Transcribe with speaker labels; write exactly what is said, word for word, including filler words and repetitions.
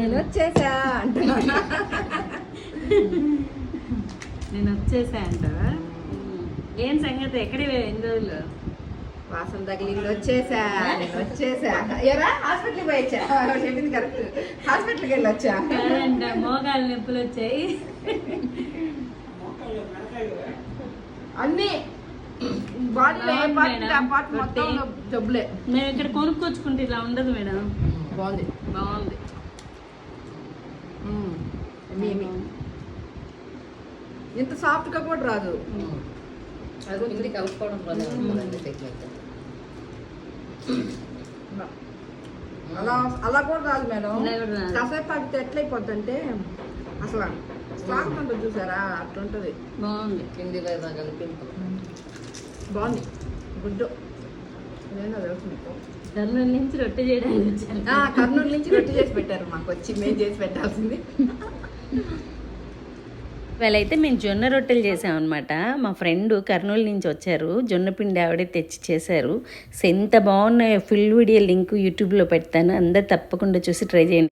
Speaker 1: నేను వచ్చేసా అంటున్నా.
Speaker 2: నేను వచ్చేసా అంటావా? ఏం సంగతి? ఎక్కడి ఎన్ని రోజులు?
Speaker 1: వాసన తగిలింది, వచ్చేసా నేను వచ్చేసా. ఎరా హాస్పిటల్కి పోయి వచ్చా, చెప్పింది కరెక్ట్. హాస్పిటల్కి వెళ్ళి వచ్చా.
Speaker 2: కాదంట, మోకాలు నొప్పులు వచ్చాయి
Speaker 1: అన్ని బాడీలో ఏ పార్ట్ ఆ పార్ట్ మొత్తం జబ్బులే.
Speaker 2: మేము ఇక్కడ కొనుక్కొచ్చుకుంటే ఇలా ఉండదు మేడం.
Speaker 1: బాగుంది
Speaker 2: బాగుంది.
Speaker 1: ఇంత సాఫ్ట్ గా కూడా రాదు.
Speaker 3: అది కలుపుకోవడం
Speaker 1: అలా అలా కూడా రాదు మేడం.
Speaker 2: ఇలా కూడా రాదు.
Speaker 1: కాసేపు పడితే ఎట్లయిపోద్ది అంటే అసలు స్వాగతం ఉంటుంది చూసారా, అట్లుంటది.
Speaker 2: బాగుంది.
Speaker 3: కింది వైపు కలిపి
Speaker 1: బాగుంది, గుడ్డు. నేను తెలుసు మీకు.
Speaker 2: కర్నూలు నుంచి రొట్టె చేయడానికి వచ్చాను.
Speaker 1: ఆ, కర్నూలు నుంచి రొట్టె చేసి పెట్టారు మాకు, వచ్చి మేము చేసి పెట్టాల్సింది.
Speaker 2: వాళ్ళైతే మేము జొన్న రొట్టెలు చేసామన్నమాట. మా ఫ్రెండ్ కర్నూలు నుంచి వచ్చారు, జొన్న పిండి ఆవిడే తెచ్చి చేశారు. సో ఎంత బాగున్నాయో, ఫుల్ వీడియో లింక్ యూట్యూబ్లో పెడతాను, అందరు తప్పకుండా చూసి ట్రై చేయండి.